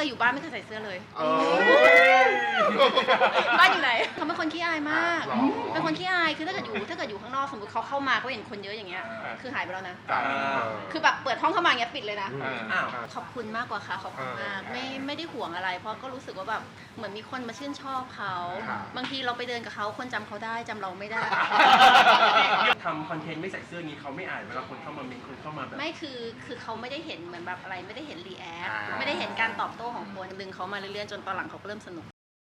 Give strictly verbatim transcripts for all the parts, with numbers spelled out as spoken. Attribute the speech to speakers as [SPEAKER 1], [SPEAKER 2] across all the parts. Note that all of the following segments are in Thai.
[SPEAKER 1] ยอยู่บ้านไม่เคยใส่เสื้อเลย
[SPEAKER 2] เออ
[SPEAKER 1] บ้านอยู่ไหนเขาเป็นคนขี้อายมาก
[SPEAKER 2] หรอ
[SPEAKER 1] เป็นคนขี้อายคือถ้าเกิดอยู่ถ้าเกิดอยู่ข้างนอกสมมติเขาเข้ามาก็เห็นคนเยอะอย่างเงี้ยคือหายไปแล้วนะ
[SPEAKER 2] จ้ะ
[SPEAKER 1] คือแบบเปิดห้องเข้ามาอย่างเงี้ยปิดเลยนะ
[SPEAKER 3] อ้าว
[SPEAKER 1] ขอบคุณมากกว่าค่ะขอบคุณมากไม่ไม่ได้ห่วงอะไร เพราะก็รู้สึกว่าแบบเหมือนมีคนมาชื่นชอบเขาบางทีเราไปเดินกับเขาคนจำเขาได้จำเราไม่ได้
[SPEAKER 3] ทำคอนเทนต์ไม่ใส่เสื้อนี้เขาไม่อ่านเวลาคนเข้ามาเมนคนเข้ามาแบบ
[SPEAKER 1] ไม่คือคือเขาไม่ได้เห็นเหมือนแบบอะไรไม่ได้เห็นรีแอคไม่ได้เห็นการตอบโต้ของคนดึงเขามาเรื่อยๆจนตอนหลังเขาก็เริ่มสนุก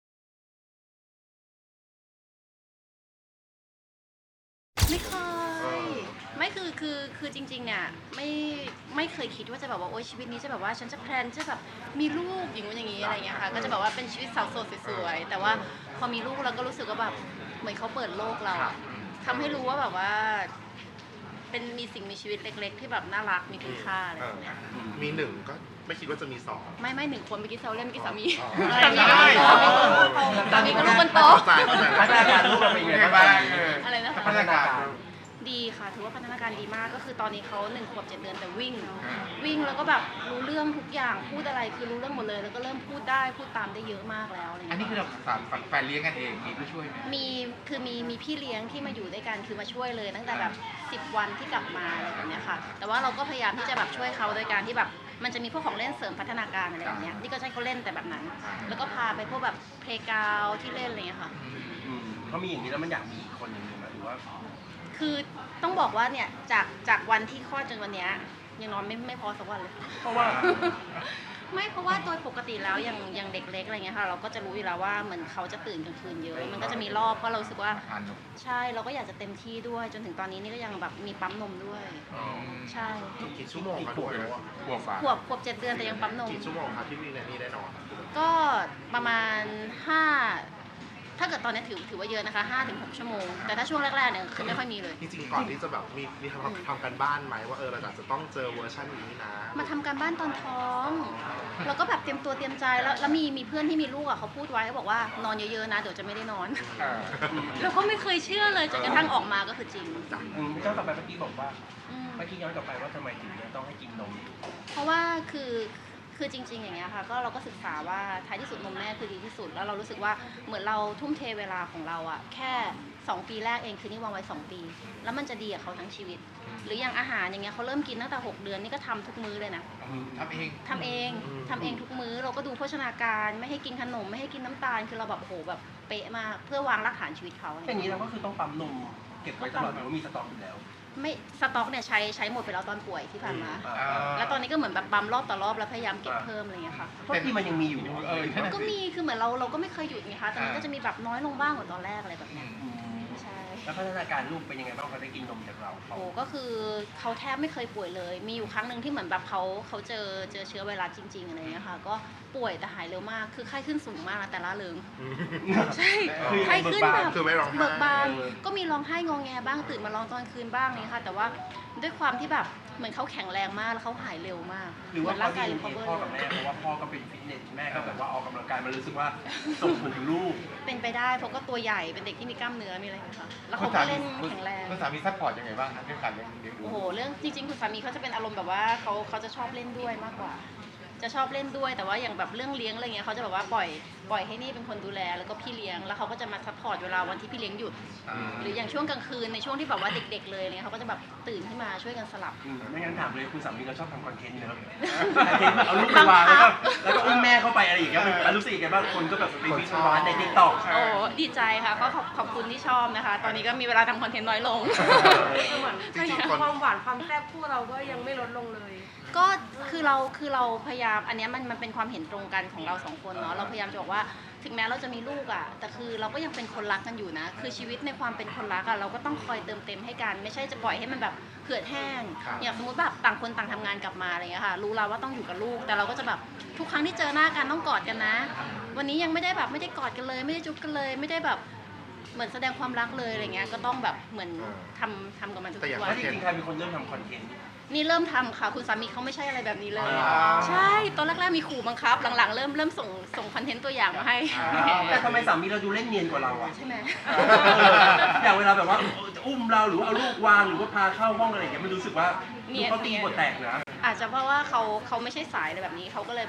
[SPEAKER 1] ไม่เคยไม่คือคือคือจริงๆเนี่ยไม่ไม่เคยคิดว่าจะแบบว่าโอ๊ยชีวิตนี้จะแบบว่าฉันจะแพลนจะแบบมีลูกอย่างนู้นอย่างนี้อะไรเงี้ยค่ะก็จะแบบว่าเป็นชีวิตสาวโสดสวยๆแต่ว่าพอมีลูกเราก็รู้สึกว่าแบบเหมือนเขาเปิดโลกเราทำให้รู้ว่าแบบว่าเป็นมีสิ่งมีชีวิตเล็กๆที่แบบน่ารักมีคุณค่าอะไรแบบเนี้ย
[SPEAKER 2] มีหนึ่งก็ไม่คิดว่าจะมีสอง
[SPEAKER 1] ไม่ไม่หนึ่งคนเมื่อกี้เซลเล่นเมื่อกี้สามี
[SPEAKER 2] อ๋อ
[SPEAKER 1] สามีก็ลูกโตสามีก็ลูกคนโต
[SPEAKER 2] เข้าใจเข้าใจ
[SPEAKER 3] พัฒนาการลูกเราเป็นยังไงบ้าง
[SPEAKER 1] อะไรนะคะ
[SPEAKER 2] พัฒนาการ
[SPEAKER 1] ดีค่ะถือว่าพัฒนาการดีมากก็คือตอนนี้เขาหนึ่งขวบเจ็ดเดือนแต่วิ่ง วิ่งแล้วก็แบบรู้เรื่องทุกอย่างพูดอะไรคือรู้เรื่องหมดเลยแล้วก็เริ่มพูดได้พูดตามได้เยอะมากแล้วอะไร
[SPEAKER 4] อันนี้
[SPEAKER 1] เงี้ย
[SPEAKER 4] คือเราสามแฟนเลี้ยงกันเองมีผู้ช่วยไหม
[SPEAKER 1] มีคือมีมีพี่เลี้ยงที่มาอยู่ด้วยกันคือมาช่วยเลย ตั้งแต่แบบสิบวันที่กลับมาอะไรแบบเนี้ยค่ะแต่ว่าเราก็พยายามที่จะแบบช่วยเขาโดยการที่แบบมันจะมีพวกของเล่นเสริมพัฒนาการอะไรแบบเนี้ยนี่ก็ใช้เขาเล่นแต่แบบนั้น แล้วก็พาไปพวกแบบเพลย์กราวด์ที่เล่นอะไรเงี้ยค่ะ
[SPEAKER 3] อืมเขามีอย่างนี้แล้วมันอยากมีอีกคนอย่างนี้ไหมหรือว่า
[SPEAKER 1] คือต้องบอกว่าเนี่ยจากจากวันที่คลอดจนวันเนี้ยยังนอนไม่ไม่พอสักวันเลย
[SPEAKER 3] เพราะว่า
[SPEAKER 1] ไม่เพราะว่าโดยปกติแล้วอย่างอย่างเด็กเล็กอะไรเงี้ยค่ะเราก็จะรู้อยู่แล้วว่าเหมือนเขาจะตื่นกลางคืนเยอะ มันก็จะมีรอบเพราะเรารู้สึกว่า
[SPEAKER 4] ทานนม
[SPEAKER 1] ใช่เราก็อยากจะเต็มที่ด้วยจนถึงตอนนี้นี่ก็ยังแบบมีปั๊มนมด้วย ใช่
[SPEAKER 2] กี่ชั่วโมงคะด้วย
[SPEAKER 4] หัวฟ้า
[SPEAKER 1] ขวบขวบเจ็ดเดือนแต่ยังปั๊มนม
[SPEAKER 2] กี่ชั่วโมงคะที่วิ่งในนี้ได้นอน
[SPEAKER 1] ก็ประมาณห้าถ้าเกิดตอนนี้ถือถือว่าเยอะนะคะห้าถึงหกชั่วโมงแต่ถ้าช่วงแรกๆเนี่ยคือไม่ค่อยมีเลย
[SPEAKER 2] จริงๆก่อนที่จะแบบมีมีทำทำกันบ้านไหมว่าเออเราอาจจะต้องเจอเวอร์ชันนี้นะ
[SPEAKER 1] มาทำการบ้านตอนท้องแล้วก็แบบเตรียมตัวเตรียมใจแล้วแล้วมีมีเพื่อนที่มีลูกอ่ะเขาพูดไว้เขาบอกว่านอนเยอะๆนะเดี๋ยวจะไม่ได้นอน แล้วก็ไม่เคยเชื่อเลยจนกระทั่งออกมาก็คือจริง
[SPEAKER 3] อืมย้อนกลับไปเมื่อกี้บอกว่า
[SPEAKER 1] อืม
[SPEAKER 3] เมื่อกี้ย้อนกลับไปว่าทำไมถึงเนี่ยต้องให้กินนม
[SPEAKER 1] เพราะว่าคือคือจริงๆอย่างเงี้ยค่ะก็เราก็ศึกษาว่าท้ายที่สุดนมแม่คือดีที่สุดแล้วเรารู้สึกว่าเหมือนเราทุ่มเทเวลาของเราอะแค่สองปีแรกเองคือนี่วางไว้สองปี แล้วมันจะดีกับเขาทั้งชีวิต หรืออย่างอาหารอย่างเงี้ยเขาเริ่มกินตั้งแต่หกเดือนนี่ก็ทำทุกมื้อเลยนะ
[SPEAKER 4] ทำเอง
[SPEAKER 1] ทำเองทำเองทุกมื้อเราก็ดูโภชนาการไม่ให้กินขนมไม่ให้กินน้ำตาลคือเราแบบโอ้โหแบบเป๊ะมากเพื่อวางรากฐานชีวิตเขา
[SPEAKER 3] อย่างนี้เราก็คือต้องปั๊มนมเก็บไว้ตลอดหรือว่ามีสต็อกอยู่แล้ว
[SPEAKER 1] ไม่สต็อกเนี่ยใช้ใช้หมดไปแล้วตอนป่วยที่ผ่านมา
[SPEAKER 3] อ่า
[SPEAKER 1] แล้วตอนนี้ก็เหมือนแบบปั๊มรอบต่อรอบแล้วพยายามเก็บเพิ่มอะไรเงี้ยค่ะ
[SPEAKER 3] เพราะที่มันยังมีอยู่
[SPEAKER 4] เออนั่นน่ะ
[SPEAKER 1] ก็
[SPEAKER 4] สิ
[SPEAKER 1] มีคือเหมือนเราเราก็ไม่เคยหยุดไงคะแต่มันก็จะมีแบบน้อยลงบ้างกว่าตอนแรกอะไรแบบ
[SPEAKER 4] อื
[SPEAKER 1] เนี้ย
[SPEAKER 4] ม
[SPEAKER 3] อืม
[SPEAKER 1] ใช่
[SPEAKER 3] แล้วพัฒนาการลูกเป็นยังไงบ้างเขาได้กินนมจากเราเขา
[SPEAKER 1] โอ้ก็คือเขาแทบไม่เคยป่วยเลย มีอยู่ครั้งหนึ่งที่เหมือนแบบเขาเขาเจอเจอเชื้อไวรัสจริงๆอะไรเงี้ยค่ะก็ป่วยแต่หายเร็วมากคือไข้ขึ้นสูงมากนะแต่ละเริงใช่
[SPEAKER 3] คือ
[SPEAKER 1] ไข้ขึ้นแบบ
[SPEAKER 2] คือไม่ร้องไห้
[SPEAKER 1] เบิกบานก็มีร้องไห้งอแงบ้างตื่นมาร้องตอนคืนบ้างนี่ค่ะแต่ว่าด้วยความที่แบบเหมือนเขาแข็งแรงมากแล้วเขาหายเร็วมาก
[SPEAKER 3] หรือว่า
[SPEAKER 1] เหมืน
[SPEAKER 3] เขา
[SPEAKER 1] ร่าง
[SPEAKER 3] ดี
[SPEAKER 1] กาย
[SPEAKER 3] เอ็
[SPEAKER 1] รี
[SPEAKER 3] น
[SPEAKER 1] คอ
[SPEAKER 3] เอ
[SPEAKER 1] เวอ
[SPEAKER 3] พ่อ
[SPEAKER 1] ร์
[SPEAKER 3] กับแม่เพราะว่าพ่อก็เป็นฟิตเนสแม่ก็แบบว่าออกกำลังกายมันรู้สึกว่าส่งผลถึงลูก
[SPEAKER 1] เป็นไปได้เพราะก็ตัวใหญ่เป็นเด็กที่มีกล้ามเนื้อมีอะไรอย่างเงี้ยค่ะแล้วเขาก็เล่นแข็งแรง
[SPEAKER 4] คุณสามีซัพพอร์ตยังไงบ้างครับเรื่องการเลี้ยงเลี้ยงดู
[SPEAKER 1] โอ้โห เรื่องจริงๆ คุณสามีเขาจะเป็นอารมณ์แบบว่าเขาเขาจะชอบเล่นด้วยมากกว่า จะชอบเล่นด้วย แต่ว่าอย่างแบบเรื่องเลี้ยงอะไรเงี้ยเขาจะแบบว่าปล่อยปล่อยให้นี่เป็นคนดูแล แล้วก็พี่เลี้ยง แล้วเขาก็จะมาซัพพอร์ตเวลาวันที่พี่เลี้ยงหยุด หรืออย่างช่วงกลางคืนในช่วงที่แบบว่าเด็กๆเลยเนี่ยเขาก็จะแบบตื่นขึ้นมาช่วยกันสลับ
[SPEAKER 3] อืมไม่งั้นถามเลยคุณสามีเราชอบทำคอนเทนต์เนอะคอนเทนต์เอาลูกไปวางแล้วก็แล้วก็อุ้มแม่เข้าไปอะไรอย่างเงี้ยมันรู้สึกยังไงบ้างคนก็แบบไปวิจารณ์ในทิกตอก
[SPEAKER 1] โอ้ดีใจค่ะก็ขอบขอบคุณที่ชอบนะคะ ตอนนี้ก็มีเวลาทำคอนเทนต์น้อยลง
[SPEAKER 5] เหมือน
[SPEAKER 2] จริงๆคน
[SPEAKER 5] ความหวานความแซ่บคู่เราก็ยังไม่ลดลงเลย
[SPEAKER 1] ก็คือเราคือเราพยายามอันเนี้ยมันมันเป็นความเห็นตรงกันของเราสองคนเนาะเราพยายามจะบอกว่าถึงแม้เราจะมีลูกอ่ะแต่คือเราก็ยังเป็นคนรักกันอยู่นะ คือชีวิตในความเป็นคนรักอ่ะเราก็ต้องคอยเติมเต็มให้กันไม่ใช่จะปล่อยให้มันแบบเหือดแห้ง
[SPEAKER 2] ครับ
[SPEAKER 1] อย่างสมมติแบบต่างคนต่างทำงานกลับมาอะไรเงี้ยค่ะรู้แล้วว่าต้องอยู่กับลูก แต่เราก็จะแบบทุกครั้งที่เจอหน้ากันต้องกอดกันนะ วันนี้ยังไม่ได้แบบไม่ได้กอดกันเลย ไม่ได้จุ๊บกันเลย ไม่ได้แบบเหมือนแสดงความรักเลยอะไรเงี้ยก็ต้องแบบเหมือนทำทำกับมันทุก
[SPEAKER 2] แต่อย่าง
[SPEAKER 1] วั
[SPEAKER 3] แล้ว
[SPEAKER 1] น
[SPEAKER 3] จริงๆใครเป็นคนเริ่มทำคอนเทนต์
[SPEAKER 1] นี่เริ่มทำค่ะคุณสามีเขาไม่ใช่อะไรแบบนี้เลย
[SPEAKER 2] อ๋อ
[SPEAKER 1] ใช่ตอนแรกๆมีขู่บังคับหลังๆ เริ่มเริ่มส่งส่งคอนเทนต์ตัวอย่างมาให้
[SPEAKER 3] แต่ทำไมสามีเราดูเล่นเนียนกว่าเราอะ
[SPEAKER 1] ใช่ไหม
[SPEAKER 3] อย่างเวลาแบบว่าจะอุ้มเราหรือว่าเอาลูกวางหรือว่าพาเข้าห้องอะไรอย่างเงี้ยมันรู้สึกว่าดูเขาตีบทแตกนะ
[SPEAKER 1] อาจจะเพราะว่าเขาเขาไม่ใช่สายอะไรแบบนี้เขาก็เลยแบบ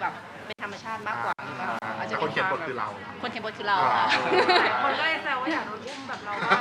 [SPEAKER 1] เป็นธรรมชาติมากกว่าหรือเปล่าอาจจะ
[SPEAKER 2] แต่คนเขียนบทคือเรา
[SPEAKER 1] คนเขียนบทคือเราค่ะ
[SPEAKER 5] คนก็เลยแซวว่าอยากโดนอุ้มแบบเราบ้าง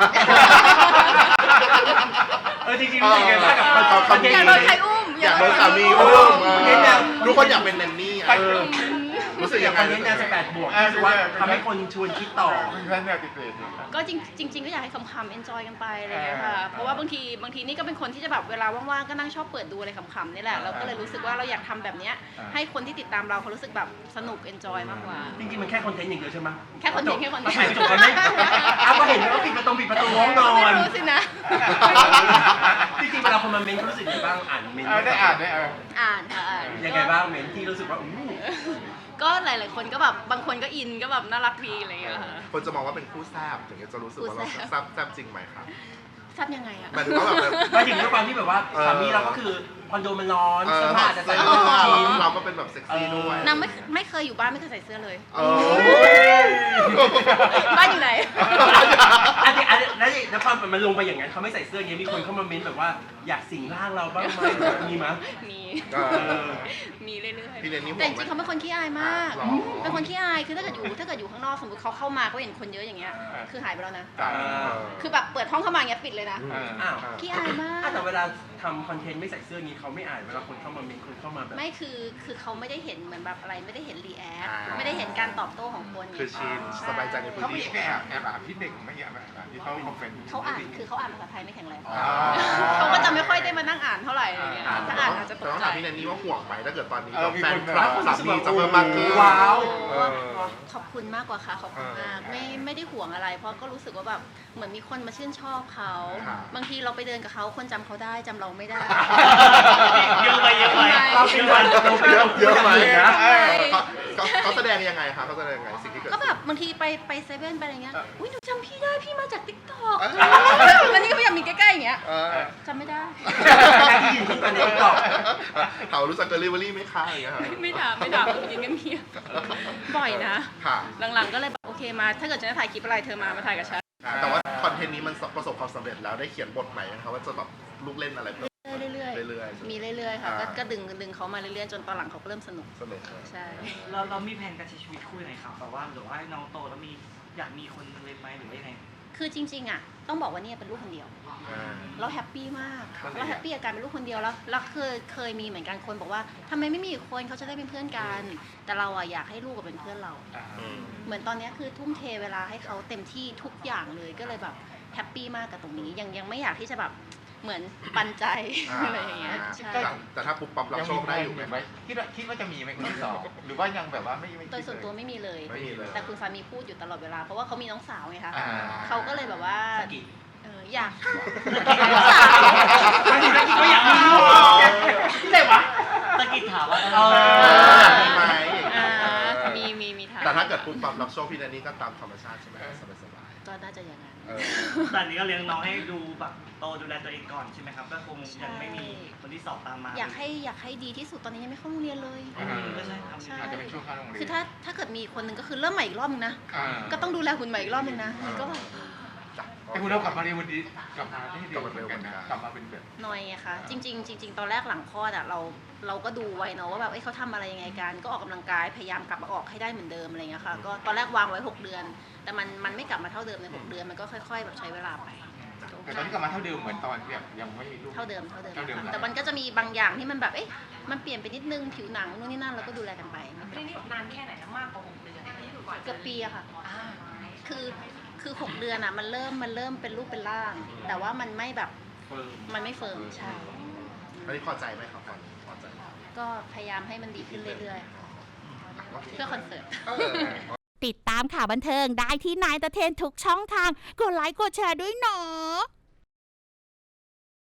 [SPEAKER 3] เออจริงๆรู้สึกไงบ้างกับคอนเทนต์
[SPEAKER 1] อยากโดนใครอุ้ม
[SPEAKER 2] อยากโดนสามีอุ้ม
[SPEAKER 3] เน้นแนว
[SPEAKER 2] ทุกคนอยากเป็นแนนนี่อะเออรู้สึก
[SPEAKER 3] อ
[SPEAKER 2] ยั
[SPEAKER 3] ย่าง
[SPEAKER 2] งไง
[SPEAKER 3] คอนเทนต์แนวสิบแปดบวกรู้สึกว่าทำให้คนชวนคิดต่อ
[SPEAKER 4] เพื่อนเนี่ยติดเลยเนี่ย
[SPEAKER 1] ก็จริงจริง ๆ ก็อยากให้คำๆ enjoy กันไปอะไรอย่างเงี้ยค่ะ เพราะว่าบางทีบางทีนี่ก็เป็นคนที่จะแบบเวลาว่างๆ ก็นั่งชอบเปิดดูอะไรขำๆนี่แหละ เราก็เลยรู้สึกว่าเราอยากทำแบบเนี้ยให้คนที่ติดตามเราเขารู้สึกแบบสนุก enjoy มากกว่า
[SPEAKER 3] จริงๆมันแค่คอนเทนต์อย่างเดียวใช่ไหม
[SPEAKER 1] แค่คอนเทนต์แค่คอนเทนต์
[SPEAKER 3] ถ่ายจบกันไหมเอาก็เห็นว่าปิดประตูปิดประตูห้องนอน
[SPEAKER 1] ไม่รู้สินะ
[SPEAKER 3] จริงๆเวลาคนมาเมนต์เขารู้สึกยังไงบ้างอ่านเมนต์
[SPEAKER 4] เออได้อ่านได้เออ
[SPEAKER 1] อ่านค่ะอ่าน
[SPEAKER 3] ยังไงบ้างเมนต์ที่รู้สึกว่าอู้
[SPEAKER 1] ก็หลายๆคนก็แบบบางคนก็อินก็แบบน่ารักดีอะไรอย่างเงี้ยค่ะ
[SPEAKER 2] คนจะมองว่าเป็นคู่แซบถึงจะรู้สึกว่าเรา
[SPEAKER 1] คู่แซ่บ
[SPEAKER 2] แซบแซบจริงไหมครับ
[SPEAKER 1] ทราบยังไงอะ
[SPEAKER 2] หมายถึงว่าแบบ
[SPEAKER 3] มาถึงด้วยความที่แบบว่าสามีเราก็คือคอนโดมันร้อน
[SPEAKER 2] เออ
[SPEAKER 3] เสื้อผ้าจะใส่
[SPEAKER 2] เสื้
[SPEAKER 3] ไม่
[SPEAKER 2] อ
[SPEAKER 3] ได้
[SPEAKER 2] ผ้า
[SPEAKER 3] ชิ้น
[SPEAKER 2] เราก็เป็นแบบเซ็กซี่ด้วย
[SPEAKER 1] นางไม่ไม่เคยอยู่บ้านไม่เคยใส่เสื้อเลย
[SPEAKER 2] เออ
[SPEAKER 1] บ้านอยู่ไหน
[SPEAKER 3] อันนี้อันนี้แล้วนี่แล้วพอมันลงไปอย่างนั้นเขาไม่ใส่เสื้ออย่างนี้มีคนเข้ามาเมนต์แบบว่าอยากสิงร่างเราบ้างไหมมีมั้ย
[SPEAKER 1] มี
[SPEAKER 2] เออ
[SPEAKER 1] มีเรื่อย
[SPEAKER 2] พี่เรนนี่
[SPEAKER 1] ๆ
[SPEAKER 2] ห่
[SPEAKER 1] แต่
[SPEAKER 2] ว
[SPEAKER 1] จ
[SPEAKER 2] งไหม
[SPEAKER 1] ริงๆเขาเป็นคนขี้อายมาก
[SPEAKER 2] หรอ
[SPEAKER 1] เป็นคนขี้อาย คือถ้าเกิดอยู่ถ้าเกิดอยู่ข้างนอกสมมติเขาเข้ามาเขาเห็นคนเยอะอย่างเงี้ย คือหายไปแล้วนะ
[SPEAKER 2] จ้ะ
[SPEAKER 1] คือแบบเปิดห้องเข้ามาอย่างเงี้ยปิดเลยนะ
[SPEAKER 2] อืม
[SPEAKER 3] อ้าว
[SPEAKER 1] ขี้อายมาก
[SPEAKER 3] อ่ะแต่เวลาทำคอนเทนต์ไม่ใส่เสื้อนี้เขาไม่อ่านเวลาคนเข้ามาเมนต์คนเข้ามาแบบ
[SPEAKER 1] ไม่คือคือเขาไม่ได้เห็นเหมือนแบบอะไรไม่ได้เห็นรีแอค
[SPEAKER 2] อ่า
[SPEAKER 1] ไม่ได้เห็นการตอบโต้ของคน
[SPEAKER 2] คือชินสบายใจในพื้น
[SPEAKER 4] เขาไม่
[SPEAKER 2] ที่
[SPEAKER 4] ไปแอบแอบอ่านพี่เด็กไม่แอบอ่านที่เขาคอมเมนต์
[SPEAKER 1] เขาอ่านคือเขาอ่านภาษาไทยไม่แข็งแรง
[SPEAKER 2] อ๋อ
[SPEAKER 1] เขาก็จะไม่ค่อยได้มานั่งอ่านเท่าไหร่อะไรเงี้ยถ้าอ่านอาจจะต
[SPEAKER 2] แต่
[SPEAKER 1] ก
[SPEAKER 2] ต้อง
[SPEAKER 1] ใจ
[SPEAKER 2] ถามพี่แนนนี่ว่าห่วงไหมถ้าเกิดตอนนี้
[SPEAKER 4] เออมี
[SPEAKER 2] แฟ
[SPEAKER 4] คน น
[SPEAKER 2] คลับ
[SPEAKER 4] แบบ
[SPEAKER 2] สามีจะเพิ่มมากขึ้น
[SPEAKER 3] ว้าว
[SPEAKER 2] เออ
[SPEAKER 1] ขอบคุณมากกว่าค่ะขอบคุณมาก
[SPEAKER 2] เออ
[SPEAKER 1] ไม่ไม่ได้ห่วงอะไร เพราะก็รู้สึกว่าแบบเหมือนมีคนมาชื่นชอบเขา
[SPEAKER 2] ครับ
[SPEAKER 1] บางทีเราไปเดินกับเขาคนจำเขาได้จำเราไม่ได้
[SPEAKER 3] เยอะไปเยอะไป
[SPEAKER 1] ทำไม
[SPEAKER 3] เราเป็นวันเราเป็น
[SPEAKER 2] เยอะเยอะไหม
[SPEAKER 3] นะ
[SPEAKER 2] เออเขาเขาเขาแสดงยังไงคะเขาแสดงยังไงสิ่งที่เกิด
[SPEAKER 1] ก็
[SPEAKER 2] ขึ้น
[SPEAKER 1] แบบบางทีไปไปเซเว่นไปอะไรเงี้ย
[SPEAKER 2] เอออุ้
[SPEAKER 1] อุ้ยหนูจำพี่ได้พี่มาจากติ๊กต็อก
[SPEAKER 2] เออ
[SPEAKER 1] แล้วนี่ก็พยายามมีใกล้ๆอย่างเงี้ย
[SPEAKER 2] เออ
[SPEAKER 1] จำไม่ได้
[SPEAKER 3] การที่ยืนคู่กันในติ๊กต็อก
[SPEAKER 2] เขารู้จักเดลิเวอรี่ไหมคะอย่างเงี้ยครับ
[SPEAKER 1] ไม่ด่าไม่ด่ายืนกันเพียบบ่อยนะ
[SPEAKER 2] ค่ะ
[SPEAKER 1] หลังๆก็เลยแบบโอเคมา ถ้าเกิดจะถ่ายคลิปอะไรเธอมามาถ่ายกับฉัน
[SPEAKER 2] แต่ว่าคอนเทนต์นี้มันประสบความสำเร็จแล้วได้เขียนบทใหม่ไหมคะว่าจะแบบลูกเล่นอะไรเพิ่ม
[SPEAKER 1] เรื่อยๆ
[SPEAKER 2] เรื่อยๆ
[SPEAKER 1] มีเรื่อยๆค่ะก็
[SPEAKER 2] อ่า
[SPEAKER 1] ก็ดึงดึงเขามาเรื่อยๆจนตอนหลังเขาก็เริ่มสนุก
[SPEAKER 2] สนุกเลย
[SPEAKER 1] ใช่
[SPEAKER 6] เราเรามีแผนการใช้ชีวิตคู่ยังไงครับแบบว่าหรือว่าน้องโตแล้วมีอยากมีคนเลยไหมหรือว่ายังไง
[SPEAKER 1] คือจริงๆอ่ะต้องบอกว่าเนี่ยเป็นลูกคนเดียว
[SPEAKER 2] อ่า
[SPEAKER 1] เราแฮปปี้มาก
[SPEAKER 2] ครับ
[SPEAKER 1] เราแฮปปี้กับการเป็นลูกคนเดียวแล้วแล้วเคยเคยมีเหมือนกันคนบอกว่าทำไมไม่มีอีกคนเขาจะได้เป็นเพื่อนกัน แต่เราอ่ะอยากให้ลูกกับเป็นเพื่อนเรา
[SPEAKER 2] อืม
[SPEAKER 1] เหมือนตอนเนี้ยคือทุ่มเทเวลาให้เขาเต็มที่ทุกอย่างเลยก็เลยแบบแฮปปี้มากกับตรงนี้ยังยังไม่อยากที่จะแบบเหมือนปันใจ อะไรอย่างเงี้ยใช่
[SPEAKER 2] แต่แต่ถ้าปุ๊บปั๊บรับ
[SPEAKER 4] ยัง
[SPEAKER 2] โช
[SPEAKER 4] มี
[SPEAKER 2] คได้อยู่ไหม
[SPEAKER 4] ไหมคิดว่าคิดว่าจะมีไหมคนที่สองหรือว่ายังแบบว่าไม่ไม่
[SPEAKER 1] โดยส่วนตัวไม่มีเลย
[SPEAKER 2] ไม่มีเลย
[SPEAKER 1] แต่คุณสามีพูดอยู่ตลอดเวลาเพราะว่าเขามีน้องสาวไงคะ
[SPEAKER 4] อ่า
[SPEAKER 1] เขาก็เลยแบบว่า
[SPEAKER 3] สกิด
[SPEAKER 1] เอออยาก
[SPEAKER 3] ไม่ถึงสกิดก็อยากมีลูกที่ไหนวะ
[SPEAKER 6] ตะกิดถามว่า
[SPEAKER 3] เออ
[SPEAKER 2] มีไหมอย่าง
[SPEAKER 1] อ่า
[SPEAKER 2] เงี้ย
[SPEAKER 1] มีมีมีทาง
[SPEAKER 2] แต่ถ้าเกิดปุ๊บปั๊บรับโชคพี่แนนนี่ก็ตามธรรมชาติใช่ไหมสบายสบาย
[SPEAKER 1] ก็น่าจะอย่างนั้น
[SPEAKER 2] ๆเออ
[SPEAKER 6] ตอนนี้ก็เลี้ยงน้องให้ดูแบบโตดูแลตัวเองก่อนใช่ไหมครับก็คงยังไม่มีคนที่สองตามมา
[SPEAKER 1] อยากให้อยากให้ดีที่สุดตอนนี้ยังไม่เข้าโรงเรียนเลย
[SPEAKER 6] อืมก็ใช่ครับ
[SPEAKER 1] ใช่
[SPEAKER 4] อาจจะเป็นช่วงเข้าโรงเรียน
[SPEAKER 1] คือถ้าถ้าเกิดมีคนหนึ่งก็คือเริ่มใหม่อีกรอบนึงนะ
[SPEAKER 4] อ่า
[SPEAKER 1] ก็ต้องดูแลหุ่นใหม่อีกรอบนึงนะมันก็แบบ
[SPEAKER 2] จ้ะ
[SPEAKER 4] แต่คุณเรากลับมาเรียนวันนี้กลับมาที่เดียว
[SPEAKER 2] กลับมาเร็วเหมือนกัน
[SPEAKER 4] กลับมาเป็นแบบ
[SPEAKER 1] หน่อยอะค่ะจริง ๆ จริง ๆ ตอนแรกหลังคลอดอะเราเราก็ดูไว้เนาะว่าแบบเอ้ยเขาทำอะไรยังไงกันก็ออกกำลังกายพยายามกลับมาออกให้ได้เหมือนเดิมอะไรเงี้ยค่ะก็ตอนแรกวางไว้หกเดือน แต่มันมันไม่กลับมาเท่าเดิมในหกเดือนมันก็ค่อยๆแบบใช้เวลาไป
[SPEAKER 4] แต่ตอนนี้กลับมาเท่าเดิมเหมือนตอนที่แบบยังไม่มีลูก
[SPEAKER 1] เท่าเดิมเท่าเดิม
[SPEAKER 4] เท่าเดิม
[SPEAKER 1] ค่ะแต่มันก็จะมีบางอย่างที่มันแบบเอ๊ะมันเปลี่ยนไปนิดนึงผิวหนังนู่นนี่นั่นเราก็ดูแลกันไป
[SPEAKER 5] นี่นี่นานแค่ไหนนะมากกว่าหกเดือนที่อยู่ก่อน
[SPEAKER 1] เกือบปีอะค่ะ คือคือหกเดือนอะมันเริ่มมันเริ่มเป็นรูปเป็นร่าง แต่ว่ามันไม่แบบ
[SPEAKER 3] เฟิร์ม
[SPEAKER 1] มันไม่เฟิร์มใช่
[SPEAKER 2] อันนี้พอใจไหมครับตอนนี้พอใจไหม
[SPEAKER 1] ก็พยายามให้มันดีขึ้นเรื่อยๆ เพื่อคอนเสิร์ต
[SPEAKER 2] เออ
[SPEAKER 7] ติดตามข่าวบันเทิงได้ที่นายตะเทนทุกช่องทาง กดไลค์กดแชร์ด้วยเนาะ